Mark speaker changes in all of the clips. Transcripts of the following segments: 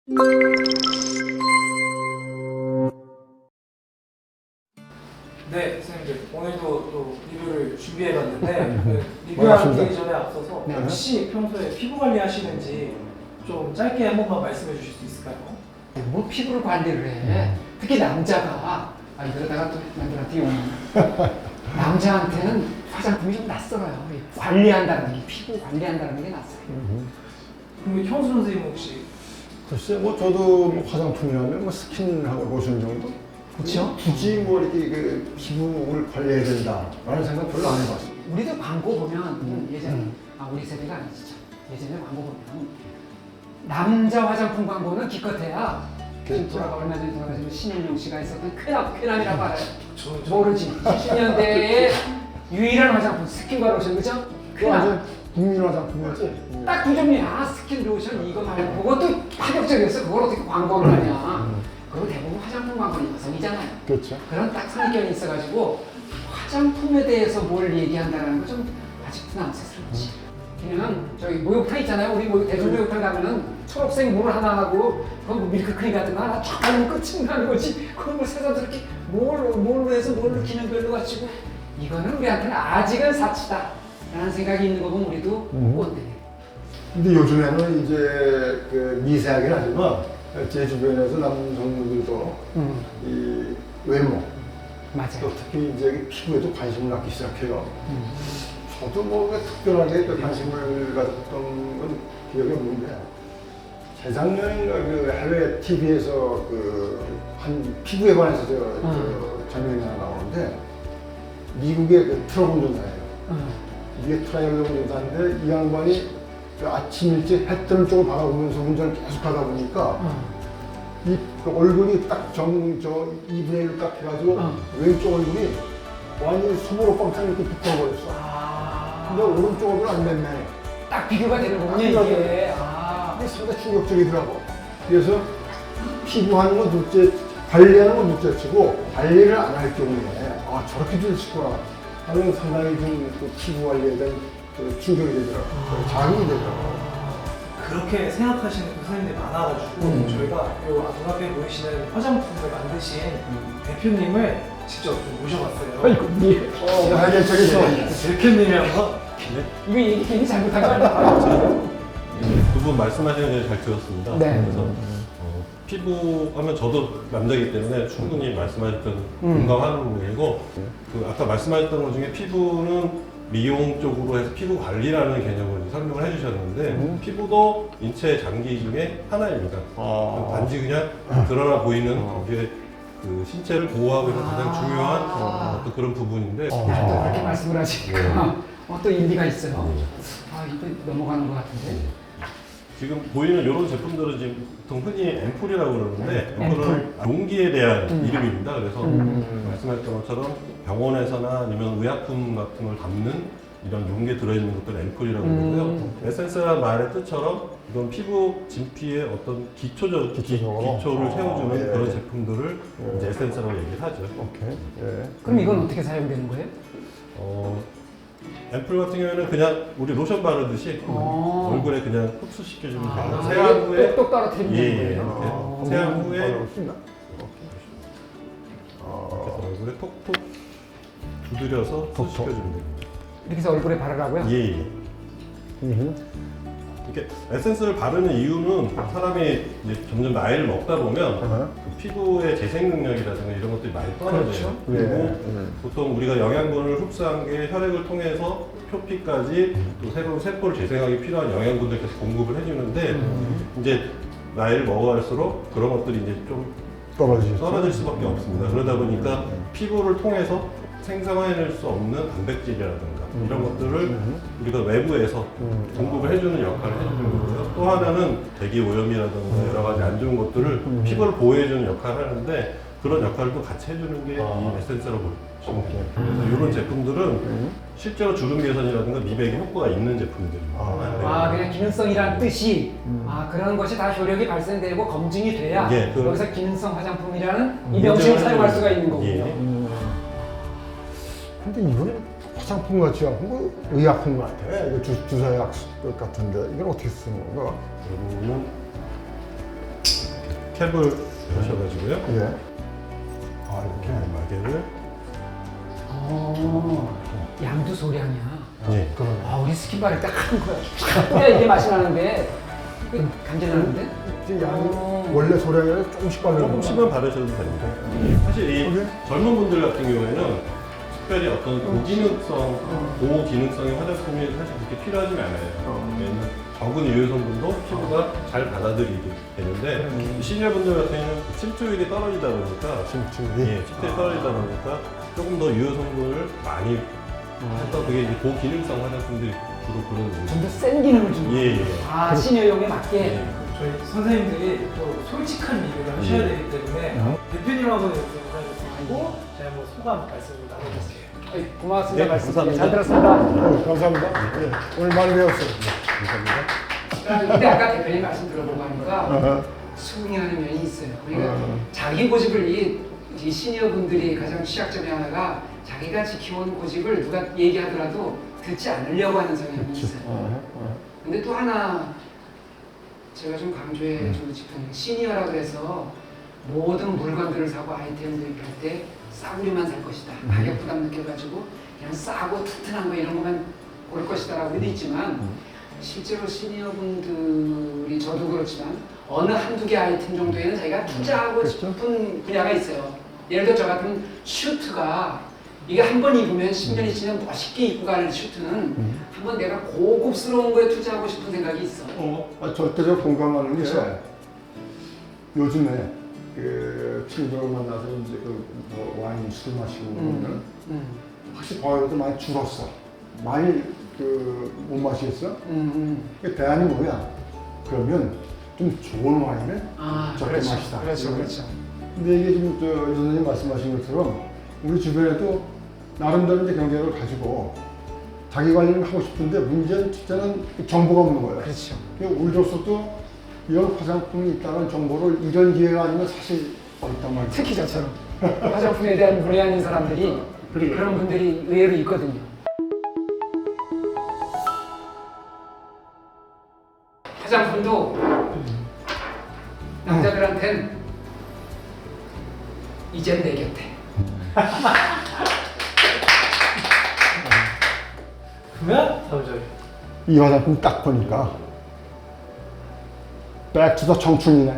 Speaker 1: 네, 선생님들 오늘도 또 리뷰를 준비해봤는데 리뷰하기 전에 앞서서 혹시 평소에 피부 관리 하시는지 좀 짧게 한 번만 말씀해 주실 수 있을까요?
Speaker 2: 뭐 피부를 관리를 해. 특히 남자가 이러다가 또 남들한테 욕먹나. 남자한테는 화장품이 좀 낯설어요. 관리한다는 게, 피부 관리한다는 게 낯설어요.
Speaker 1: 그럼 형수 선생님 혹시?
Speaker 3: 글쎄, 뭐 저도 뭐 화장품이라면 뭐 스킨하고 로션 정도?
Speaker 2: 그렇죠?
Speaker 3: 굳이 뭐 이렇게 그 피부를 관리해야 된다라는 생각 별로 안 해봤어요.
Speaker 2: 우리도 광고 보면 예전에 우리 세대가 아니지 참. 예전에 광고 보면 남자 화장품 광고는 기껏해야 돌아가 얼마 전에 돌아가신 신현용 씨가 했었던 쾌남이라고 알아요? 모르지. 70년대의 유일한 화장품 스킨과 로션, 그죠?
Speaker 3: 완전 국민 화장품이었지?
Speaker 2: 딱 두 종류야. 스킨, 로션 이거 말고 그것도 파격적이었어. 그걸 어떻게 광고를 하냐. 그리고 대부분 화장품 광고는 여성이잖아요.
Speaker 3: 그렇죠.
Speaker 2: 그런 딱 선입견이 있어가지고 화장품에 대해서 뭘 얘기한다는 거 좀 아직도 남색스럽지. 그냥 저기 목욕탕 있잖아요. 우리 대중 목욕탕 가면은 초록색 물 하나 하고 그건 밀크크림 같은 거 하나 쫙 하면 끝이 나는 거지. 그걸 뭐 새삼스럽게 뭘로 해서 뭘 기능별로 갖추고 이거는 우리한테는 아직은 사치다 라는 생각이 있는 거 보면 우리도 꼰대.
Speaker 3: 근데 요즘에는 이제 그 미세하긴 하지만 제 주변에서 남성분들도 이 외모,
Speaker 2: 맞아요.
Speaker 3: 또 특히 이제 피부에도 관심을 갖기 시작해요. 저도 뭐 특별하게 또 관심을 가졌던 건 기억이 없는데 재작년인가 그 해외 TV에서 그 한 피부에 관해서 저 장면이 하나 나오는데 미국의 그 트럭 운전사예요. 이게 트럭 운전사인데 이 양반이 아침 일찍 해 뜨는 쪽을 바라보면서 운전을 계속하다 보니까 이 얼굴이 딱 저 2분의 1로 딱 해가지고 왼쪽 얼굴이 완전히 수모로 뻥창 이렇게 붙어버렸어. 근데 오른쪽 얼굴은 안 됐네.
Speaker 2: 딱 비교가 되는 거군요, 이게.
Speaker 3: 이게 상당히 충격적이더라고. 그래서 피부하는 건 둘째, 관리하는 건 둘째 치고 관리를 안 할 경우에 저렇게 될 수구나 하는 상당히 좀 그 피부 관리에 대한 충격이 되더라고요. 자극이 되더라고요.
Speaker 1: 그렇게 생각하시는 그 선생님들이 많아가지고 저희가 요 눈앞에 보이시는 화장품을 만드신 대표님을 직접 좀 모셔봤어요.
Speaker 3: 아이고, 하게 저기서
Speaker 1: 대표님이 한번
Speaker 2: 이거 얘기 괜히 잘못한 거 아니야?
Speaker 4: 두 분 말씀하시는 게 잘 들었습니다.
Speaker 2: 네.
Speaker 4: 그래서 피부 하면 저도 남자이기 때문에 충분히 말씀하셨던 공감하는 부분이고 그 아까 말씀하셨던 것 중에 피부는 미용 쪽으로 해서 피부 관리라는 개념을 설명을 해주셨는데 피부도 인체 장기 중에 하나입니다. 단지 그냥 드러나 보이는 거기에 그 신체를 보호하고 있는 가장 중요한 어떤 그런 부분인데
Speaker 2: 그렇게 말씀을 하시니까 또 일리가 있어요. 이거 넘어가는 것 같은데.
Speaker 4: 지금 보이는 이런 제품들은 지금 보통 흔히 앰플이라고 그러는데 앰플은 용기에 대한 이름입니다. 그래서 말씀하셨던 것처럼 병원에서나 아니면 의약품 같은 걸 담는 이런 용기에 들어있는 것들 앰플이라고 그러고요. 에센스라는 말의 뜻처럼 이건 피부 진피의 어떤 기초를 채워주는 그런 제품들을 이제 에센스라고 얘기를 하죠.
Speaker 3: 오케이. 예.
Speaker 2: 그럼 이건 어떻게 사용되는 거예요?
Speaker 4: 앰플 같은 경우에는 그냥 우리 로션 바르듯이 얼굴에 그냥 흡수시켜주면 돼요. 세안 후에
Speaker 2: 똑똑 떨어뜨리면 되는
Speaker 4: 예,
Speaker 2: 거예요.
Speaker 4: 이렇게 세안 후에
Speaker 3: 어렵습니다.
Speaker 4: 이렇게 얼굴에 톡톡 두드려서 흡수시켜주면 됩니다.
Speaker 2: 이렇게 해서 얼굴에 바르라고요?
Speaker 4: 예. 이렇게 에센스를 바르는 이유는 사람이 이제 점점 나이를 먹다 보면 그 피부의 재생 능력이라든가 이런 것들이 많이 떨어져요.
Speaker 2: 그렇죠.
Speaker 4: 그리고 보통 우리가 영양분을 흡수한 게 혈액을 통해서 표피까지 또 새로운 세포를 재생하기 필요한 영양분들 계속 공급을 해주는데 이제 나이를 먹어갈수록 그런 것들이 이제 좀 떨어질 수밖에 없습니다. 그러다 보니까 피부를 통해서 생성해낼 수 없는 단백질이라든가 이런 것들을 우리가 외부에서 공급을 해주는 역할을 해주는 거고요. 또 하나는 대기 오염이라든가 여러 가지 안 좋은 것들을 피부를 보호해주는 역할을 하는데 그런 역할도 같이 해주는 게 이 에센스라고 보시면 돼요. 그래서 이런 제품들은 실제로 주름 개선이라든가 미백에 효과가 있는 제품들입니다.
Speaker 2: 그냥 기능성이란 뜻이 그런 것이 다 효력이 발생되고 검증이 돼야 여기서 기능성 화장품이라는 이 명칭을 사용할 수가 있는 거군요.
Speaker 3: 근데 이거는 화장품 같지 않고 의약품 같아. 이거 주사약 같은데 이걸 어떻게 쓰는 건가?
Speaker 4: 그러면 캡을 하셔가지고요.
Speaker 3: 예. 아, 이렇게.
Speaker 4: 마개를.
Speaker 2: 양도 소량이야.
Speaker 4: 네.
Speaker 2: 아, 우리 스킨바를 딱 하는 거야. 그래야 이게 맛이 나는데, 간질 나는데?
Speaker 3: 이제 양이 원래 소량이 조금씩 바르는
Speaker 4: 조금씩만 바르셔도 됩니다. 사실 이
Speaker 3: 오케이.
Speaker 4: 젊은 분들 같은 경우에는 특별히 어떤 고기능성의 화장품이 사실 그렇게 필요하지 않아요. 왜냐면 적은 유효 성분도 피부가 잘 받아들이게 되는데 시니어 분들 같은 경우는 침투율이 떨어지다 보니까 침투율이 떨어지다 보니까 조금 더 유효 성분을 많이 해서 그게 이제 고기능성 화장품들이 주로 그런
Speaker 2: 좀 더 센 기능을 주는 거야.
Speaker 4: 예.
Speaker 2: 아, 시니어용에 맞게.
Speaker 4: 예.
Speaker 1: 저희 선생님들이 또 솔직한 리뷰를 하셔야 되기 때문에 대표님하고 이렇게 인사드리고 제가 한번 소감 말씀을 나눠볼게요.
Speaker 2: 고맙습니다.
Speaker 4: 네,
Speaker 2: 말씀
Speaker 4: 감사합니다.
Speaker 2: 잘 들었습니다.
Speaker 3: 감사합니다. 예. 오늘 많이 배웠어요.
Speaker 2: 근데 아까 대표님 말씀 들어보고 하니까 수긍하는 면이 있어요. 그러니까 자기 고집을 이 시니어 분들이 가장 취약점이 하나가 자기가 지켜온 고집을 누가 얘기하더라도 듣지 않으려고 하는 성향이 있어요. 근데 또 하나 제가 좀 강조해 주고 싶은 게 시니어라고 해서 모든 물건들을 사고 아이템을 구입할 때 싸구려만 살 것이다. 가격 부담 느껴가지고 그냥 싸고 튼튼한 거 이런 것만 고를 것이다라고 돼 있지만 실제로 시니어 분들이 저도 그렇지만 어느 한두 개 아이템 정도에는 자기가 투자하고 싶은 분야가 있어요. 예를 들어 저 같은 슈트가 이게 한 번 입으면 10년이 지나면 멋있게 입고 가는 슈트는 한번 내가 고급스러운 거에 투자하고 싶은 생각이 있어.
Speaker 3: 절대적 공감하는 게 요즘에 그 친구들 만나서 이제 뭐 와인 술 마시고 그러면 확실히 과거보다 많이 줄었어. 많이 못 마시겠어? 대안이 뭐야? 그러면 좀 좋은 와인을 적게
Speaker 2: 그렇죠.
Speaker 3: 마시다.
Speaker 2: 그렇죠, 그렇죠.
Speaker 3: 근데 이게 지금 유 선생님 말씀하신 것처럼 우리 주변에도 나름대로 이제 경쟁을 가지고 자기 관리를 하고 싶은데 문제는 진짜는 정보가 없는 거예요.
Speaker 2: 그렇죠.
Speaker 3: 우리로서도 이런 화장품이 있다는 정보를 이런 기회가 아니면 사실 어렵단 말이에요.
Speaker 2: 특히 저처럼 화장품에 대한 문외한인 사람들이 그런 분들이 의외로 있거든요. 화장품도 남자들한텐 이젠 내 곁에.
Speaker 1: 그러면 다음 저희
Speaker 3: 이 화장품 딱 보니까 백투더 청춘이네.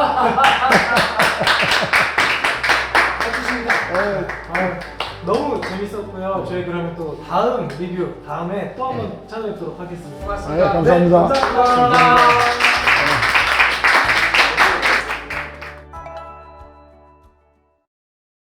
Speaker 1: 너무 재밌었고요. 저희 그러면 또 다음 리뷰 다음에 또 한번 찾아뵙도록 하겠습니다.
Speaker 2: 고맙습니다.
Speaker 3: 감사합니다.
Speaker 1: 네, 감사합니다.